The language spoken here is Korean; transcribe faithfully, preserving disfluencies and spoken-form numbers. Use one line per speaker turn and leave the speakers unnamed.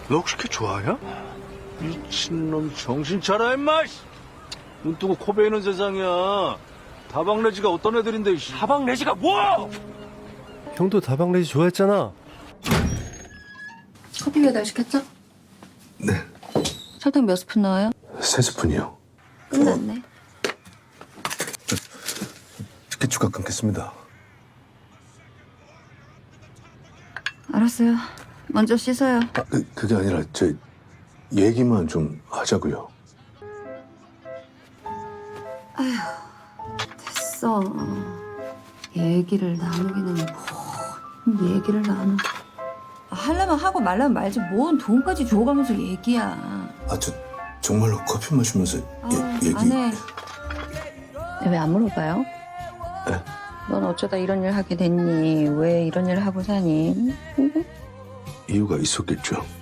너 혹시 걔 좋아하냐? 미친놈 정신 차려 임마. 눈 뜨고 코 베이는 세상이야. 다방 레지가 어떤 애들인데. 이씨.
다방 내지가 뭐?
형도 다방 레지 좋아했잖아.
커피 배달시켰죠?
네,
설탕 몇 스푼 넣어요?
세 스푼이요.
끝났네.
티켓 추가 끊겠습니다.
알았어요. 먼저 씻어요.
아, 그, 그게 아니라 저 얘기만 좀 하자고요.
됐어. 얘기를 나누기는 뭐 얘기를 나누. 하려면 하고 말라면 말지 뭔 돈까지 줘가면서 얘기야.
아, 저 정말로 커피 마시면서
아,
얘기.
안 해. 왜 안 물어봐요?
네?
넌 어쩌다 이런 일 하게 됐니? 왜 이런 일 하고 사니?
이유가 있었겠죠.